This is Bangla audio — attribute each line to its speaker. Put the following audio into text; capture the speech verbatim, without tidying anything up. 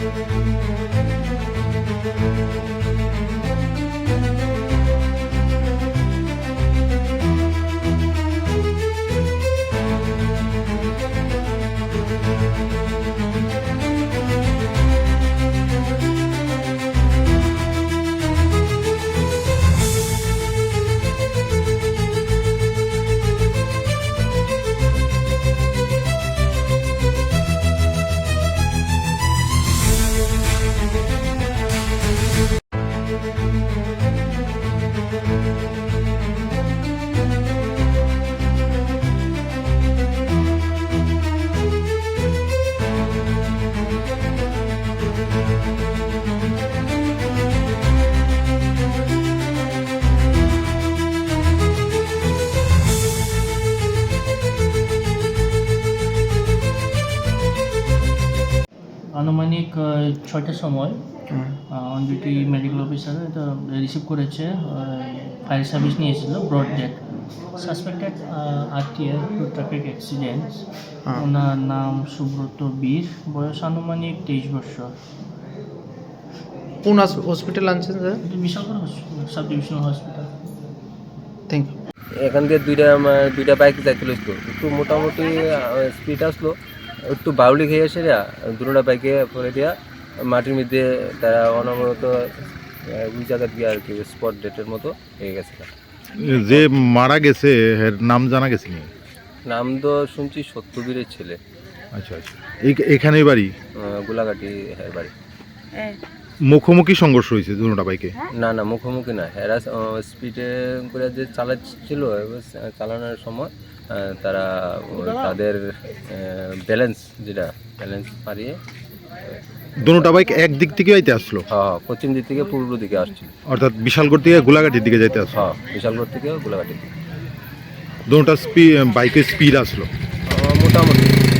Speaker 1: আনুমানিক ছয়টার সময় অন ডিউটি মেডিকেল অফিসার এটা রিসিভ করেছে, ফায়ার সার্ভিস নিয়ে এসেছিল brought dead suspected RTR to traffic accident. ওনার নাম সুব্রত বীর, বয়স আনুমানিক তেইশ বছর।
Speaker 2: কোন হসপিটাল আনছেন sir?
Speaker 1: Bishalgarh sub divisional hospital.
Speaker 2: Thank you.
Speaker 3: এখান দিয়ে দুইটা দুইটা বাইক যাইতে লইতো, একটু মোটামুটি স্পিড আসলো, একটু বাউলি খেয়ে এসে দুটা বাইকে পরে দিয়া মাটির মধ্যে তারা অনবরত ওই জায়গা দিয়ে আর কি স্পট ডেটের মতো হয়ে গেছে।
Speaker 4: যে মারা গেছে এর নাম জানা গেছে না?
Speaker 3: নাম তো শুনছি সত্যবীরের ছেলে।
Speaker 4: আচ্ছা আচ্ছা, এখানেই বাড়ি?
Speaker 3: গোলাঘাটি হ্যাঁ বাড়ি।
Speaker 4: মুখোমুখি সংঘর্ষ হয়েছে দুটা বাইকে?
Speaker 3: না না মুখোমুখি না, এরা স্পিডে করে যে চালাচ্ছিল চালানোর সময় তারা তাদের ব্যালেন্স যেটা ব্যালেন্স পারিয়ে
Speaker 4: দুটা বাইক এক দিক থেকে যাইতে আসলো?
Speaker 3: হ্যাঁ, পশ্চিম দিক থেকে পূর্ব দিকে আসছিল,
Speaker 4: অর্থাৎ বিশালগড় থেকে গোলাঘাটির দিকে যাইতে আসলো?
Speaker 3: হ্যাঁ, বিশালগড় থেকে গোলাঘাটির দিকে।
Speaker 4: দুটা স্পিড বাইকের স্পিড আসলো
Speaker 3: মোটামুটি